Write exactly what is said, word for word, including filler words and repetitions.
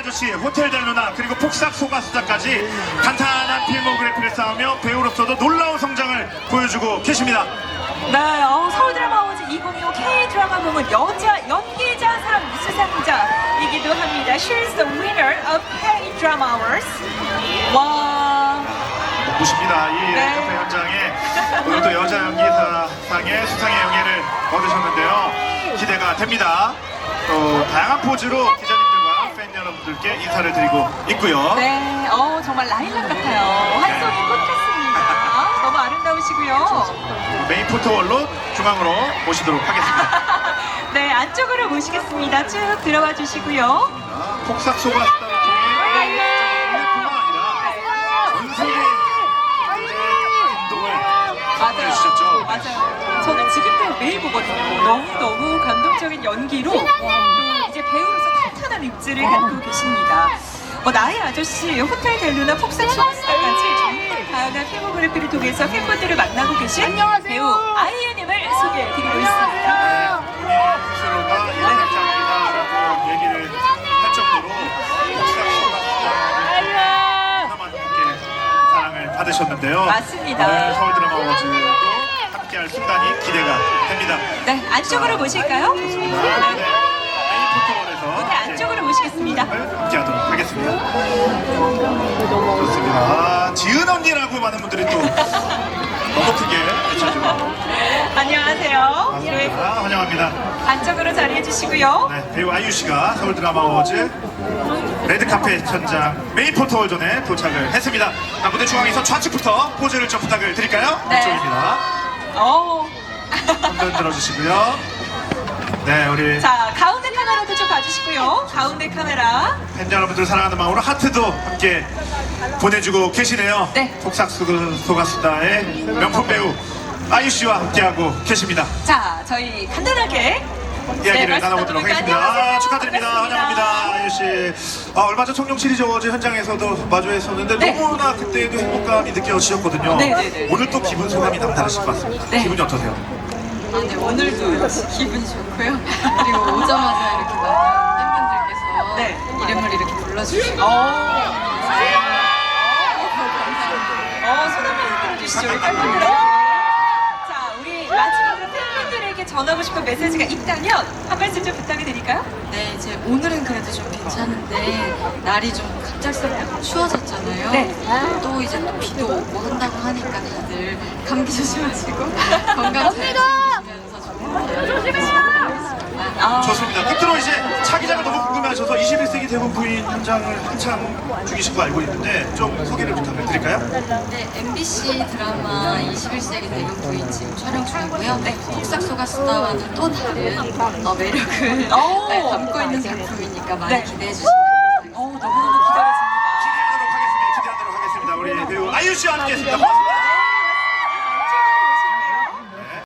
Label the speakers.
Speaker 1: 아저씨, 호텔 델루나, 그리고 폭삭 소가수다까지 탄탄한 필모그래피를 쌓으며 배우로서도 놀라운 성장을 보여주고 계십니다.
Speaker 2: 네, 어, 서울 드라마 어워즈 이천이십오 K 드라마 부문 여자 연기자상 수상자이기도 합니다. She's the winner of K Drama Awards. 와.
Speaker 1: 보십니다. 이
Speaker 2: 네.
Speaker 1: 카페 현장에 오늘 또 여자 연기사상의 수상의 영예를 얻으셨는데요. 기대가 됩니다. 또 다양한 포즈로 기자님들과 팬 여러분들께 인사를 드리고 있고요.
Speaker 2: 네, 어, 정말 라일락 같아요. 한 송이 꽃 같습니다. 너무 아름다우시고요.
Speaker 1: 메인 포토월로 중앙으로 모시도록 하겠습니다.
Speaker 2: 네, 안쪽으로 모시겠습니다. 쭉 들어와 주시고요.
Speaker 1: 폭삭 소가수다를 통해 뿐만 아니라 전 세계 감동을
Speaker 2: 맞아요.
Speaker 1: 보여주셨죠.
Speaker 2: 맞아요. 저는 지금도 매일 보거든요. 너무너무 감동적인 연기로 또 이제 배우로서 탄탄한 입지를 갖고 계십니다. 뭐 나의 아저씨, 호텔 델루나, 폭삭 소가수다까지 정말 다양한 필모그래피를 통해서 팬분들을 만나고 계신 배우 아이유님을 소개해드리고 있습니다.
Speaker 1: 본인 스스로가 예능장이다라고 얘기를 할 정도로 폭삭 소가수다를 하나만 함께 사랑을 받으셨는데요.
Speaker 2: 맞습니다.
Speaker 1: 오늘 서울 드라마 어워즈도 함께할 순간이 기대가 됩니다.
Speaker 2: 네, 안쪽으로 모실까요?
Speaker 1: 네. 메인 포토월에서
Speaker 2: 네, 안쪽으로 모시겠습니다.
Speaker 1: 함께하도록 하겠습니다. 좋습니다. 아, 지은 언니라고 많은 분들이 또 너무 크게 외쳐주고
Speaker 2: 안녕하세요. 네,
Speaker 1: 반갑습니다. 환영합니다.
Speaker 2: 안쪽으로 자리해 주시고요.
Speaker 1: 네, 배우 아이유 씨가 서울 드라마 어워즈 레드카펫 현장 메인 포토월존에 도착을 했습니다. 자, 무대 중앙에서 좌측부터 포즈를 좀 부탁을 드릴까요?
Speaker 2: 네.
Speaker 1: 이쪽입니다.
Speaker 2: 어.
Speaker 1: 손 들어주시고요. 네, 우리
Speaker 2: 자, 가운데 카메라도 좀 봐주시고요. 가운데 카메라.
Speaker 1: 팬 여러분들 사랑하는 마음으로 하트도 함께 보내주고 계시네요.
Speaker 2: 네.
Speaker 1: 폭삭 소가수다의 명품 배우 아이유 씨와 함께하고 계십니다.
Speaker 2: 자, 저희 간단하게
Speaker 1: 이야기를
Speaker 2: 네,
Speaker 1: 나눠보도록
Speaker 2: 말씀
Speaker 1: 하겠습니다.
Speaker 2: 나눠볼까요?
Speaker 1: 아, 축하드립니다.
Speaker 2: 반갑습니다.
Speaker 1: 환영합니다. 아이유 씨. 아, 얼마 전 청룡 시리즈 어워즈 현장에서도 마주했었는데
Speaker 2: 네.
Speaker 1: 너무나 그때도 행복감이 느껴지셨거든요.
Speaker 2: 네, 네, 네.
Speaker 1: 오늘 또 기분 소감이 남다르실 것 같습니다.
Speaker 2: 네.
Speaker 1: 기분이 어떠세요?
Speaker 3: 아, 네, 오늘도 역시 기분이 좋고요. 그리고 오자마자 이렇게 많은 팬분들께서
Speaker 2: 네.
Speaker 3: 이름을 이렇게 불러주시고
Speaker 2: 어. 어, 손 한번 흔들어 주시죠. 우리 팬분들. 자, 우리 마지막으로 팬분들에게 전하고 싶은 메시지가 있다면 한 말씀 좀 부탁해 드릴까요?
Speaker 3: 네, 이제 오늘은 그래도 좀 괜찮은데 날이 좀 갑작스럽게 추워졌잖아요.
Speaker 2: 네.
Speaker 3: 또 이제 또 비도 오고 한다고 하니까 다들 감기 조심하시고 건강 잘 지키시면서 조심하세요.
Speaker 2: 아,
Speaker 1: 좋습니다. 끝으로 이제 차기작을 너무 궁금해하셔서 이십일 세기 대본 부인 현장을 한창 중이신 거 알고 있는데 좀 소개를 부탁을 드릴까요?
Speaker 3: 네, 엠비씨 드라마 이십일 세기 대경 부인 지금 촬영 중이고요. 네, 폭삭 소가수다와는 또 다른 어, 매력을
Speaker 2: 오.
Speaker 3: 네, 담고 있는 작품이니까 많이
Speaker 2: 네.
Speaker 3: 기대해 주시면 감사하겠습니다.
Speaker 2: 어, 너무너무 기다려집니다.
Speaker 1: 기대하도록 하겠습니다. 기대하도록 하겠습니다. 우리 배우 아이유 씨와 함께했습니다. 고맙습니다.